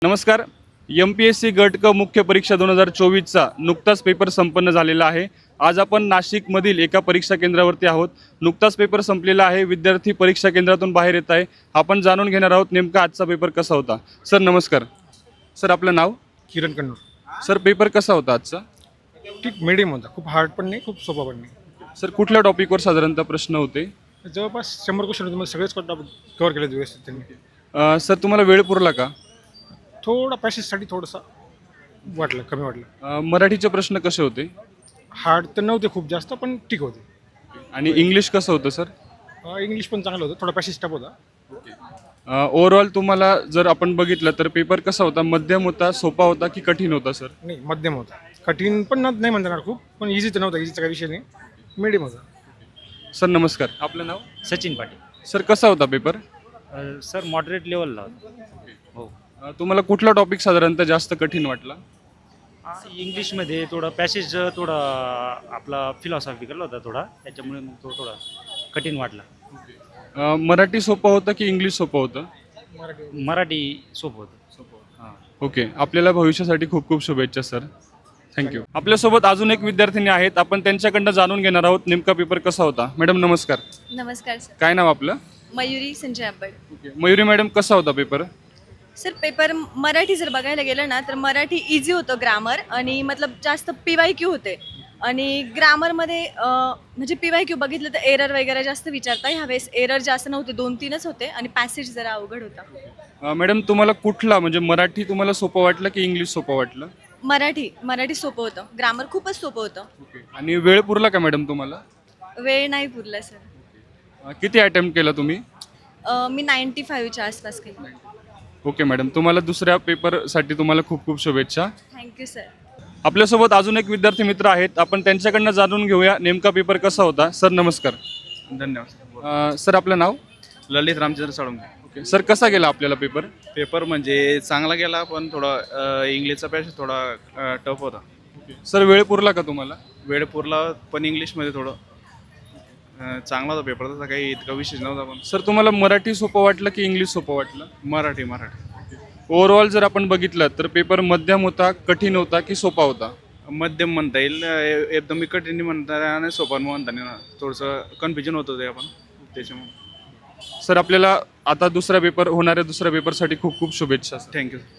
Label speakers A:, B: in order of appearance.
A: नमस्कार. MPSC गट क मुख्य परीक्षा 2024चा नुकताच पेपर संपन्न झालेला आहे. आज आपण नाशिकमधील एका परीक्षा केंद्रावरती आहोत. नुकताच पेपर संपलेला आहे. विद्यार्थी परीक्षा केंद्रातून बाहेर येत आहे. आपण जाणून घेणार आहोत नेमका आजचा पेपर कसा होता. सर नमस्कार. सर आपलं नाव?
B: किरण कन्नूर.
A: सर पेपर कसा होता आजचा?
B: ठीक मीडियम होता. खूप हार्ड पण नाही, खूप सोपा पण नाही.
A: सर कुठल्या टॉपिकवर साधारणतः प्रश्न होते?
B: जवळपास 100 क्वेश्चन होते. मला सगळेच कव्हर केले व्यवस्थित त्यांनी.
A: सर तुम्हाला वेळ पुरला का?
B: थोडा पॅसेजसाठी थोडंसं वाटलं, कमी वाटलं.
A: मराठीचे प्रश्न कसे होते?
B: हार्ड तर नव्हते खूप जास्त, पण ठीक होते.
A: आणि इंग्लिश कसं होतं सर?
B: इंग्लिश पण चांगलं होतं, थोडा पॅसेज टफ होता.
A: ओव्हरऑल तुम्हाला जर आपण बघितलं तर पेपर कसा होता? मध्यम होता, सोपा होता की कठीण होता सर?
B: नाही, मध्यम होता. कठीण पण नाही म्हणता येणार खूप, पण इझी तर नव्हता. इझीचा काही विषय नाही, मीडियम होता.
A: सर नमस्कार. आपलं नाव?
C: सचिन पाटील.
A: सर कसा होता पेपर?
C: सर मॉडरेट लेवलला होता. हो.
A: तुम्हाला कुठला टॉपिक साधारणतः जास्त कठीण वाटला?
C: इंग्लिशमध्ये थोडं पॅसेज थोडा आपला फिलॉसॉफिकल होता थोडा, त्याच्यामुळे मग तो थोडा कठीण वाटला.
A: मराठी सोपं होतं की इंग्लिश सोपं होतं?
C: मराठी सोपं होतं. हां.
A: ओके. आपल्याला भविष्यासाठी खूप खूप शुभेच्छा सर. थँक्यू. आपल्यासोबत अजून एक विद्यार्थिनी आहेत. आपण त्यांच्याकडनं जाणून घेणार आहोत नेमका पेपर कसा होता. मॅडम नमस्कार.
D: नमस्कार सर.
A: काय नाव आपलं?
D: मयुरी संजय आंबड.
A: ओके. मयुरी मॅडम कसा होता पेपर?
D: सर पेपर मराठी जर बघायला गेलं ना तर मराठी इझी होतं ग्रामर आणि मतलब जास्त PYQ होते आणि ग्रामरमध्ये म्हणजे PYQ बघितलं तर एरर वगैरे जास्त विचारता. ह्यावेळेस एरर जास्त नव्हते, 2-3च होते आणि पॅसेज जरा अवघड होता.
A: मॅडम तुम्हाला कुठला म्हणजे मराठी तुम्हाला सोपं वाटलं की इंग्लिश सोपं वाटलं?
D: मराठी सोपं होतं. ग्रामर खूपच सोपं होतं.
A: ओके. आणि वेळ पुरला का मॅडम तुम्हाला?
D: वेळ नाही पुरला सर.
A: किती अटेम्प्ट केला तुम्ही?
D: मी 95च्या आसपास केली.
A: Okay madam. तुम्हाला दुसऱ्या पेपरसाठी तुम्हाला खूप खूप शुभेच्छा.
D: Thank you sir.
A: आपल्यासोबत अजून एक विद्यार्थी मित्र आहेत. आपण त्यांच्याकडनं जाणून घेऊया नेमका पेपर कसा होता. सर नमस्कार.
E: धन्यवाद.
A: सर आपलं नाव?
E: ललित रामचंद्र साळुंके.
A: ओके. सर कसा गेला आपल्याला पेपर?
E: पेपर म्हणजे चांगला गेला, पण थोडा इंग्लिशचा पॅसेज थोडा टफ होता.
A: सर वेळ पुरला का तुम्हाला?
E: वेळ पुरला, पण इंग्लिशमध्ये थोडं चांगला होता पेपर. तसा काही इतका विशेष नव्हता. पण
A: सर तुम्हाला मराठी सोपं वाटलं की इंग्लिश सोपं वाटलं?
E: मराठी
A: ओव्हरऑल जर आपण बघितलं तर पेपर मध्यम होता, कठीण होता की सोपा होता?
E: मध्यम म्हणता येईल. एकदम मी कठीण म्हणता आणि सोपा म्हणता नाही ना, थोडंसं कन्फ्युजन होतं ते आपण त्याच्यामुळे.
A: सर आपल्याला आता दुसरा पेपर होणाऱ्या दुसऱ्या पेपरसाठी खूप खूप शुभेच्छा.
E: थँक्यू.